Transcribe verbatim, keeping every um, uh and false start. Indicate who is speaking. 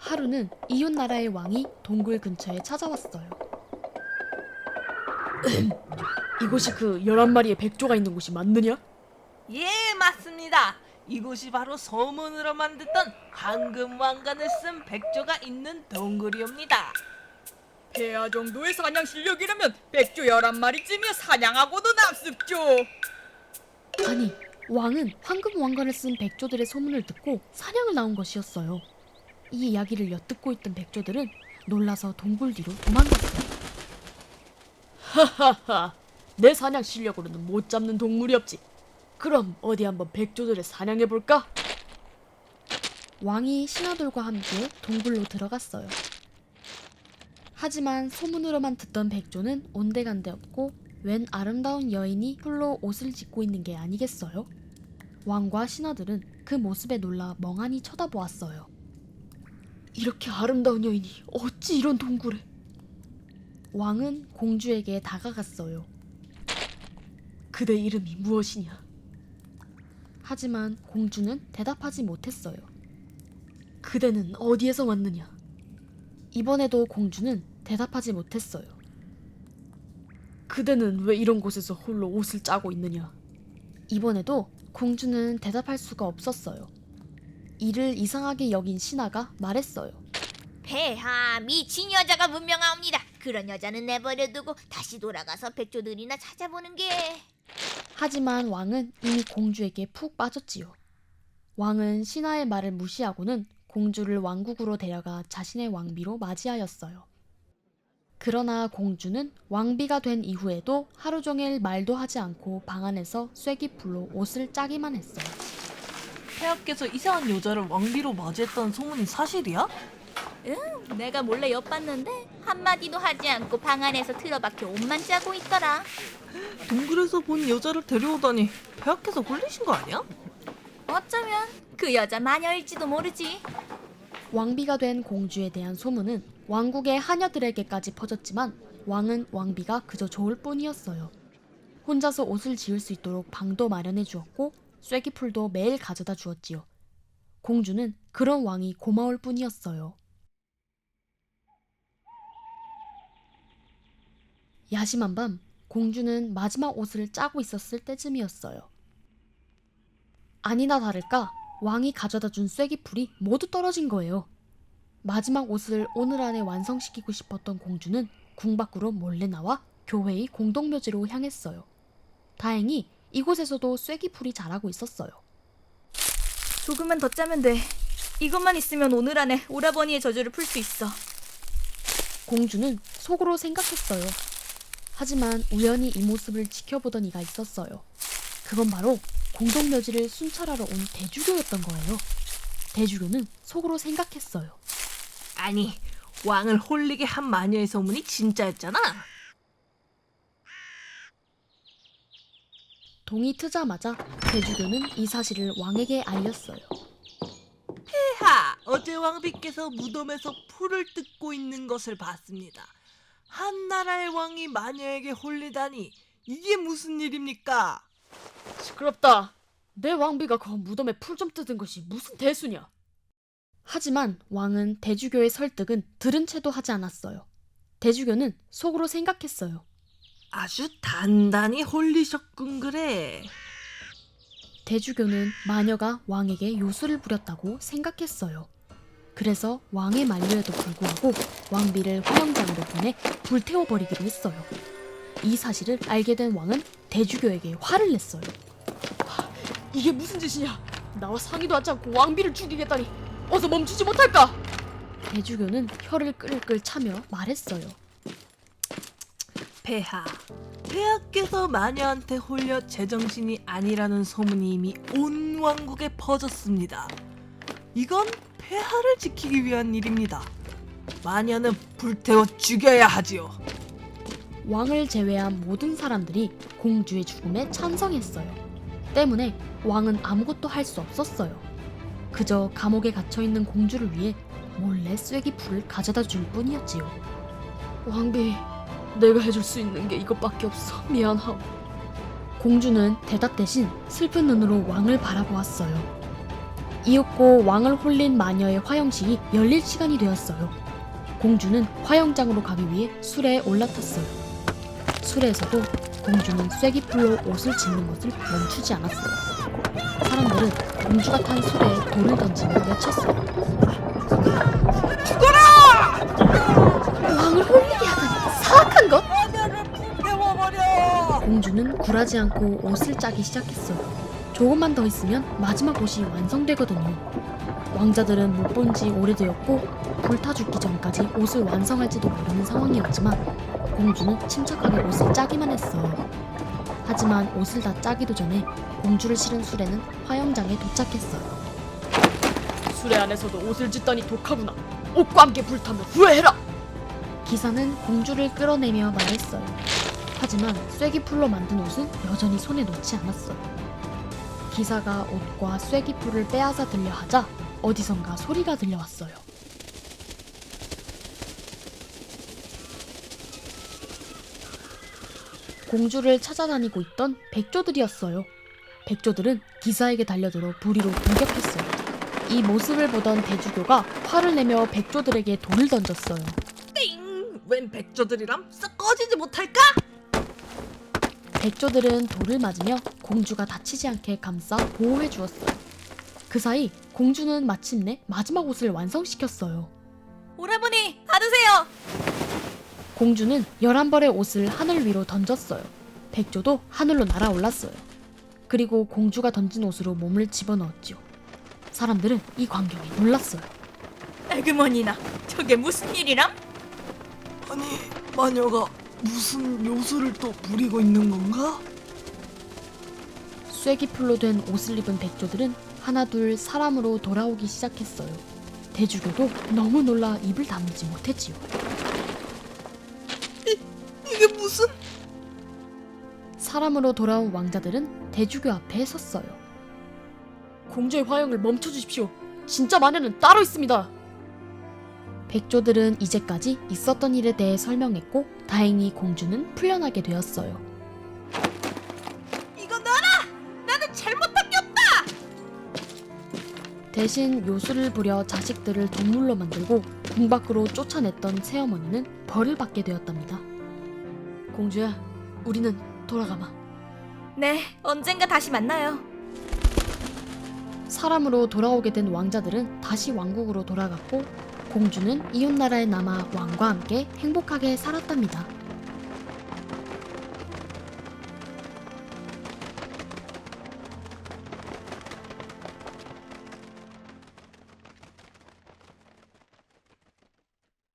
Speaker 1: 하루는 이웃 나라의 왕이 동굴 근처에 찾아왔어요. 이곳이 그 열한 마리의 백조가 있는 곳이 맞느냐?
Speaker 2: 예, 맞습니다. 이곳이 바로 소문으로만 듣던 황금 왕관을 쓴 백조가 있는 동굴이옵니다.
Speaker 3: 폐하 정도의 사냥 실력이라면 백조 열한 마리쯤이야 사냥하고도 남습죠.
Speaker 1: 아니, 왕은 황금 왕관을 쓴 백조들의 소문을 듣고 사냥을 나온 것이었어요. 이 이야기를 엿듣고 있던 백조들은 놀라서 동굴 뒤로 도망갔어요. 하하하, 내 사냥 실력으로는 못 잡는 동물이 없지. 그럼 어디 한번 백조들을 사냥해볼까? 왕이 신하들과 함께 동굴로 들어갔어요. 하지만 소문으로만 듣던 백조는 온데간데 없고 웬 아름다운 여인이 홀로 옷을 짓고 있는 게 아니겠어요? 왕과 신하들은 그 모습에 놀라 멍하니 쳐다보았어요. 이렇게 아름다운 여인이 어찌 이런 동굴에? 왕은 공주에게 다가갔어요. 그대 이름이 무엇이냐? 하지만 공주는 대답하지 못했어요. 그대는 어디에서 왔느냐? 이번에도 공주는 대답하지 못했어요. 그대는 왜 이런 곳에서 홀로 옷을 짜고 있느냐? 이번에도 공주는 대답할 수가 없었어요. 이를 이상하게 여긴 신하가 말했어요.
Speaker 4: 폐하, 미친 여자가 분명하옵니다. 그런 여자는 내버려두고 다시 돌아가서 백조들이나 찾아보는 게...
Speaker 1: 하지만 왕은 이미 공주에게 푹 빠졌지요. 왕은 신하의 말을 무시하고는 공주를 왕국으로 데려가 자신의 왕비로 맞이하였어요. 그러나 공주는 왕비가 된 이후에도 하루 종일 말도 하지 않고 방 안에서 쐐기풀로 옷을 짜기만 했어요.
Speaker 2: 폐하께서 이상한 여자를 왕비로 맞이했다는 소문이 사실이야?
Speaker 4: 응, 내가 몰래 엿봤는데 한마디도 하지 않고 방 안에서 틀어박혀 옷만 짜고 있더라.
Speaker 2: 동굴에서 본 여자를 데려오다니 폐하께서 홀리신 거 아니야?
Speaker 4: 어쩌면 그 여자 마녀일지도 모르지.
Speaker 1: 왕비가 된 공주에 대한 소문은 왕국의 하녀들에게까지 퍼졌지만 왕은 왕비가 그저 좋을 뿐이었어요. 혼자서 옷을 지을 수 있도록 방도 마련해 주었고 쐐기풀도 매일 가져다 주었지요. 공주는 그런 왕이 고마울 뿐이었어요. 야심한 밤, 공주는 마지막 옷을 짜고 있었을 때쯤이었어요. 아니나 다를까 왕이 가져다 준 쐐기풀이 모두 떨어진 거예요. 마지막 옷을 오늘 안에 완성시키고 싶었던 공주는 궁 밖으로 몰래 나와 교회의 공동묘지로 향했어요. 다행히 이곳에서도 쐐기풀이 자라고 있었어요.
Speaker 5: 조금만 더 짜면 돼. 이것만 있으면 오늘 안에 오라버니의 저주를 풀 수 있어.
Speaker 1: 공주는 속으로 생각했어요. 하지만 우연히 이 모습을 지켜보던 이가 있었어요. 그건 바로 공동묘지를 순찰하러 온 대주교였던 거예요. 대주교는 속으로 생각했어요.
Speaker 2: 아니, 왕을 홀리게 한 마녀의 소문이 진짜였잖아.
Speaker 1: 동이 트자마자 대주교는 이 사실을 왕에게 알렸어요.
Speaker 2: 폐하, 어제 왕비께서 무덤에서 풀을 뜯고 있는 것을 봤습니다. 한 나라의 왕이 마녀에게 홀리다니 이게 무슨 일입니까?
Speaker 1: 시끄럽다. 내 왕비가 그 무덤에 풀 좀 뜯은 것이 무슨 대수냐? 하지만 왕은 대주교의 설득은 들은 채도 하지 않았어요. 대주교는 속으로 생각했어요.
Speaker 2: 아주 단단히 홀리셨군 그래.
Speaker 1: 대주교는 마녀가 왕에게 요술을 부렸다고 생각했어요. 그래서 왕의 만류에도 불구하고 왕비를 화영장으로 보내 불태워버리기로 했어요. 이 사실을 알게 된 왕은 대주교에게 화를 냈어요. 이게 무슨 짓이냐? 나와 상의도 하지 않고 왕비를 죽이겠다니 어서 멈추지 못할까? 대주교는 혀를 끌끌 차며 말했어요.
Speaker 2: 폐하, 폐하께서 마녀한테 홀려 제정신이 아니라는 소문이 이미 온 왕국에 퍼졌습니다. 이건 폐하를 지키기 위한 일입니다. 마녀는 불태워 죽여야 하지요.
Speaker 1: 왕을 제외한 모든 사람들이 공주의 죽음에 찬성했어요. 때문에 왕은 아무것도 할 수 없었어요. 그저 감옥에 갇혀있는 공주를 위해 몰래 쐐기풀을 가져다 줄 뿐이었지요. 왕비, 내가 해줄 수 있는 게 이것밖에 없어. 미안하오. 공주는 대답 대신 슬픈 눈으로 왕을 바라보았어요. 이윽고 왕을 홀린 마녀의 화영식이 열릴 시간이 되었어요. 공주는 화영장으로 가기 위해 수레에 올라탔어요. 수레에서도 공주는 쐐기풀로 옷을 짓는 것을 멈추지 않았어요. 사람들은 공주가 탄 수레에 돌을 던지며 외쳤어요.
Speaker 2: 죽어라!
Speaker 1: 왕을 홀리게 하다니 사악한 것!
Speaker 2: 마녀를 불태워버려!
Speaker 1: 공주는 굴하지 않고 옷을 짜기 시작했어요. 조금만 더 있으면 마지막 옷이 완성되거든요. 왕자들은 못 본 지 오래되었고 불타 죽기 전까지 옷을 완성할지도 모르는 상황이었지만 공주는 침착하게 옷을 짜기만 했어요. 하지만 옷을 다 짜기도 전에 공주를 실은 수레는 화영장에 도착했어요.
Speaker 3: 수레 안에서도 옷을 짓다니 독하구나. 옷과 함께 불타면 후회해라.
Speaker 1: 기사는 공주를 끌어내며 말했어요. 하지만 쐐기풀로 만든 옷은 여전히 손에 놓지 않았어요. 기사가 옷과 쐐기풀을 빼앗아 들려 하자 어디선가 소리가 들려왔어요. 공주를 찾아다니고 있던 백조들이었어요. 백조들은 기사에게 달려들어 부리로 공격했어요. 이 모습을 보던 대주교가 화를 내며 백조들에게 돌을 던졌어요.
Speaker 2: 띵! 웬 백조들이람 썩 꺼지지 못할까?
Speaker 1: 백조들은 돌을 맞으며 공주가 다치지 않게 감싸 보호해 주었어요. 그 사이 공주는 마침내 마지막 옷을 완성시켰어요.
Speaker 5: 오라버니 받으세요.
Speaker 1: 공주는 열한 벌의 옷을 하늘 위로 던졌어요. 백조도 하늘로 날아올랐어요. 그리고 공주가 던진 옷으로 몸을 집어넣었죠. 사람들은 이 광경에 놀랐어요.
Speaker 5: 에그머니나 저게 무슨 일이람?
Speaker 2: 아니, 마녀가 무슨 요술을 또 부리고 있는 건가?
Speaker 1: 쐐기풀로 된 옷을 입은 백조들은 하나둘 사람으로 돌아오기 시작했어요. 대주교도 너무 놀라 입을 다물지 못했지요.
Speaker 2: 이게 무슨...
Speaker 1: 사람으로 돌아온 왕자들은 대주교 앞에 섰어요.
Speaker 3: 공주의 화영을 멈춰주십시오. 진짜 마녀는 따로 있습니다.
Speaker 1: 백조들은 이제까지 있었던 일에 대해 설명했고 다행히 공주는 풀려나게 되었어요.
Speaker 2: 이거 놔라! 나는 잘못한 게 없다!
Speaker 1: 대신 요술을 부려 자식들을 동물로 만들고 궁 밖으로 쫓아냈던 새어머니는 벌을 받게 되었답니다. 공주야, 우리는 돌아가마.
Speaker 5: 네, 언젠가 다시 만나요.
Speaker 1: 사람으로 돌아오게 된 왕자들은 다시 왕국으로 돌아갔고 공주는 이웃나라에 남아 왕과 함께 행복하게 살았답니다.